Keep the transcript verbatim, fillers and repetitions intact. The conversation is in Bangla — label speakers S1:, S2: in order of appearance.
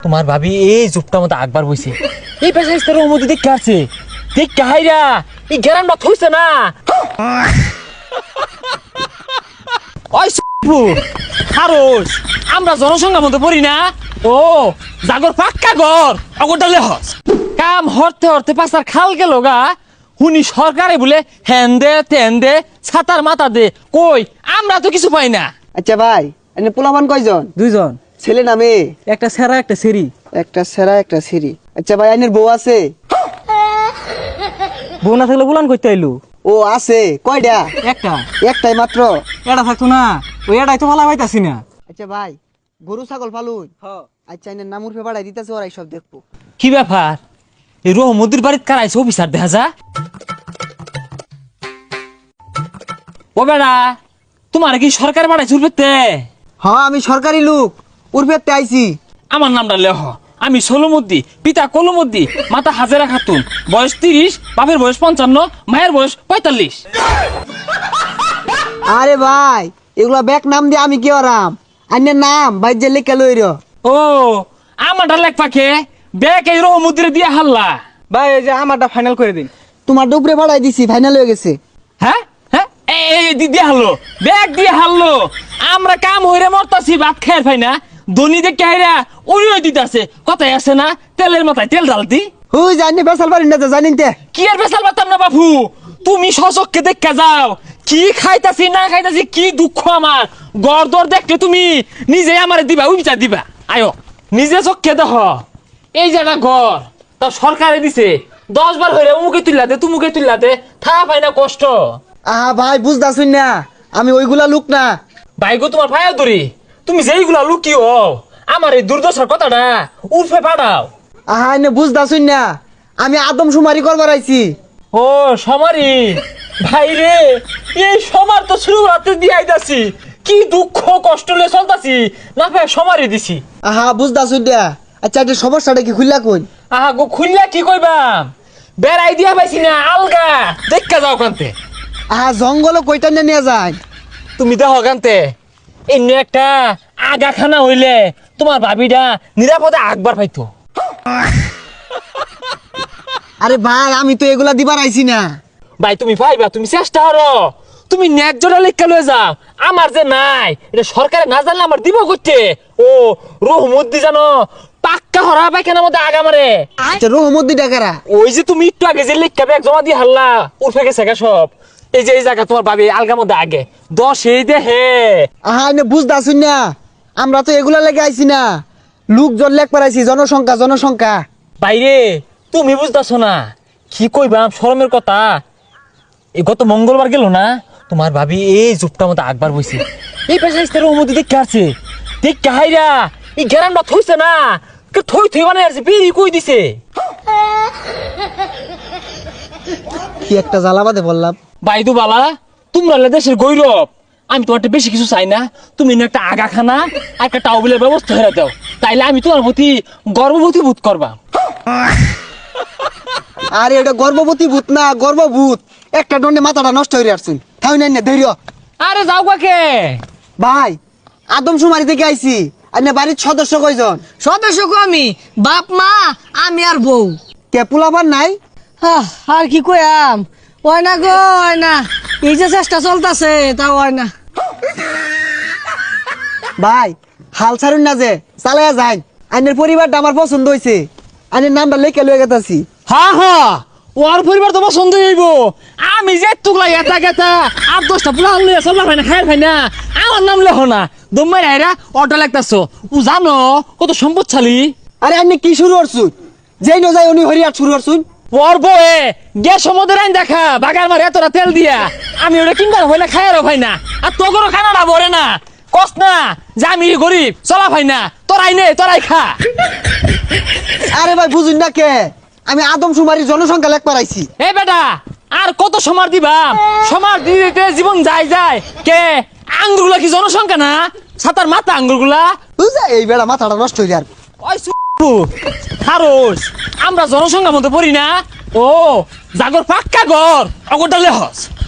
S1: তোমার ভাবি এই জুপটা মতো আকবার বইছে এই পেশা ইস্তার মধ্যে দেখতে আছে দেখ কাহাইরা এই গ্যারান্ডা থইছে না ওই সুপু খারোস আমরা জনসংখ্যার মধ্যে পড়ি না ও জাগর পাক্কা ঘর অগরডালে হস কাম হরতে হরতে পাঁচার খাল গেল গা হুনি সরকারে বলে হ্যান দে তেন দে ছাতার মাথা দে কই আমরা তো কিছু পাই না।
S2: আচ্ছা ভাই এনে পোলাপান কয়জন?
S3: দুইজন,
S2: ছেলে না মেয়ে?
S3: একটা সেরা একটা সেরি।
S2: একটা সেরা একটা সিরি। আচ্ছা ভাই আইনের বউ আছে?
S3: বউ না থাকলে বুলান করতে আইলু।
S2: ও আছে কয়টা?
S3: একটা
S2: একটাই মাত্র?
S3: এটা থাকতো না ওই এটাই তো ভালো পাইতাছি না।
S2: আচ্ছা ভাই গরু ছাগল ফালুন? আচ্ছা এনে নামুর ফে বাড়াই দিতেছে ওরাই সব দেখবো।
S1: কি ব্যাপার এই রহমদ্দির বাড়িতে কারাইছে অফিসার দেখা যা ও বেড়া তোমার কি সরকার বাড়াইছে উর্ফেতে?
S2: হ্যাঁ আমি সরকারি লোক উর্ফেতে আইছি।
S1: আমার নামটা লেহ আমি সোলমদ্দি পিতা কলমদ্দি মাতা হাজেরা খাতুন বয়স তিরিশ বাপের বয়স পঞ্চান্ন মায়ের বয়স পঁয়তাল্লিশ।
S2: আরে ভাই এগুলা ব্যাক নাম দিয়ে আমি কি আরাম আইনের নাম ভাই যে লেখা লই র।
S1: ও আমারটা লেখ পাখে ব্যাগ এই রহমদ্দিরে দিয়ে হাল্লা।
S3: ভাই এই যে আমারটা ফাইনাল করে দিন।
S2: তোমার ডুবরে বাড়াই দিছি ফাইনাল হয়ে গেছে।
S1: হ্যাঁ হ্যাঁ এই এই দি- দিয়ে হারলো ব্যাগ দিয়ে হারলো আমরা কাম হইরে মরতাছি ভাত খাই পাই না ধনী দেখে হাইরা উড়িয়ে দিতেছে কথাই আছে না তেলের মাথায় তেল ঢালতি।
S2: হুই জানি বেসাল পারি না তো জানিন তে।
S1: কি আর বেসাল পারতাম না বাবু তুমি সচককে দেখা যাও কি খাইতাছি না খাইতাছি কি দুঃখ আমার গড়দর দেখলে তুমি নিজে আমারে দিবা উইচা দিবা আয়ো নিজে চোখকে দেখ এই জায়গা ঘর তা সরকারে দিছে দশ বার হইরে উমুকে তুললাতে তুমুকে তুললাতে থা পাই না কষ্ট।
S2: আহা ভাই বুঝতাছুন না আমি ওইগুলা লোক না।
S1: ভাই গো তোমার ভাইয়া ধরি তুমি যেইগুলা লুকিও আমার এই দুর্দশার কথাটা উর্ফে পাঠাও।
S2: আহা এনে বুঝতাছুন না আমি আদম সুমারি করবার আইছি।
S1: ও সমারি ভাই রে এই সমার তো শুরু রাতে দিয়ে আইতাছি কি দুঃখ কষ্ট লে চলতাছি না ভাই সমারি দিছি।
S2: আহা বুঝতাছুন না। আচ্ছা একটা সমস্যাটা কি খুললা কই?
S1: আহা গো খুললা কি কইবাম বেড়াই দিয়া পাইছি না আলগা দেখা যাও কান্তে।
S2: আহা জঙ্গল কইটা নিয়ে যায়
S1: তুমি দেখো কান্তে এমনি একটা আগাখানা হইলে তোমার ভাবিটা নিরাপদে আকবার পাইতো।
S2: আরে ভাই আমি তো এগুলা দিবার আইছি না।
S1: ভাই তুমি পাইবা তুমি চেষ্টা করো তুমি ন্যায্যটা লেখা লয়ে যাও আমার যে নাই এটা সরকারে না জানলে আমার দিব করতে। ও রহমদ্দি জানো পাক্কা হরা পায়খানার মধ্যে আগা মারে।
S2: আচ্ছা রহমদ্দি ডাকারা
S1: ওই যে তুমি একটু আগে যে লেখা ব্যাগ জমা দিয়ে হারলা উঠে গেছে গা সব এই যে এই জায়গা তোমার ভাবি আলগা মধ্যে আগে দশ এই দে হে।
S2: আহা এনে বুঝতাছুন না আমরা তো এগুলা লেগে আইছি না লোকজন লেখ পারাইছি জনসংখ্যা জনসংখ্যা।
S1: বাইরে তুমি বুঝতেছো না কি কইবাম শরমের কথা এই গত মঙ্গলবার গেল না তোমার ভাবি এই জুপটা মতো আকবার বইছে এই পেশা ইস্তার মধ্যে দেখতে আছে দেখ কাহাইরা এই গ্যারান্ডা থইছে না থই থই মানে আছে বিড়ি কই দিছে।
S2: কি একটা জ্বালাবাদে বললাম।
S1: বাইদু বালা তোমরা হলে দেশের গৌরব আমি তোমার বেশি কিছু চাই না তুমি না একটা আগাখানা আর একটা টাউবিলের ব্যবস্থা করে দাও তাইলে আমি তোমার প্রতি গর্ববতী বোধ করবা।
S2: আরে এটা গর্ভবতী ভূত না গর্ভভূত একটা দণ্ডে মাথাটা নষ্ট হয়ে আসছেন তাই না না ধৈর্য।
S1: আরে যাও কাকে
S2: ভাই আদম সুমারি থেকে আইছি আর না বাড়ির সদস্য কয়জন?
S4: সদস্য কো আমি বাপ মা আমি আর বউ।
S2: কে পোলাপান নাই?
S4: আহ, আর কি কইয়াম ওই না গো ওই না এই যে চেষ্টা চলতেছে তা ওই না।
S2: ভাই হাল ছাড়ুন না যে চালাইয়া যাই আইনের পরিবারটা আমার পছন্দ হয়েছে আইনের নামটা লেখা লয়ে গেতাছি।
S1: হা হা ওর পরিবার তো পছন্দ হইব আমি যে তুগলা এটা গেতা আট দশটা পুরা আনলে চলবা ভাই না খাই ভাই না আমার নাম লেখো না দমাই আইরা অটো লাগতাছো ও জানো কত সম্পদশালী।
S2: আরে আপনি কি শুরু করছুন যেই ন যাই উনি হরিয়ার শুরু করছুন।
S1: ওর বয়ে গ্যাস সমুদ্রের আইন দেখা বাগার মারে এতটা তেল দিয়া আমি ওটা কিনবার হয় না খায়ারও ভাই না আর তোগরও খানাটা ভরে না কস না যে আমি গরিব চলা ভাই না তোরাই নে তোরাই খা।
S2: আরে ভাই বুঝুন না কে আমি আদম সুমারির জনসংখ্যা লেখ পারাইছি।
S1: এ বেটা আর কত সমার দিবাম সমার দিতে জীবন যায় যায় কে আঙ্গুরগুলা কি জনসংখ্যা না সাতার মাথা আঙ্গুরগুলা
S2: বুঝা এই বেড়া মাথাটা নষ্ট হয়ে যার।
S1: ওই খারোস আমরা জনসংখ্যার মধ্যে পড়ি না ও জাগর পাক্কা ঘর অগরডালে হস।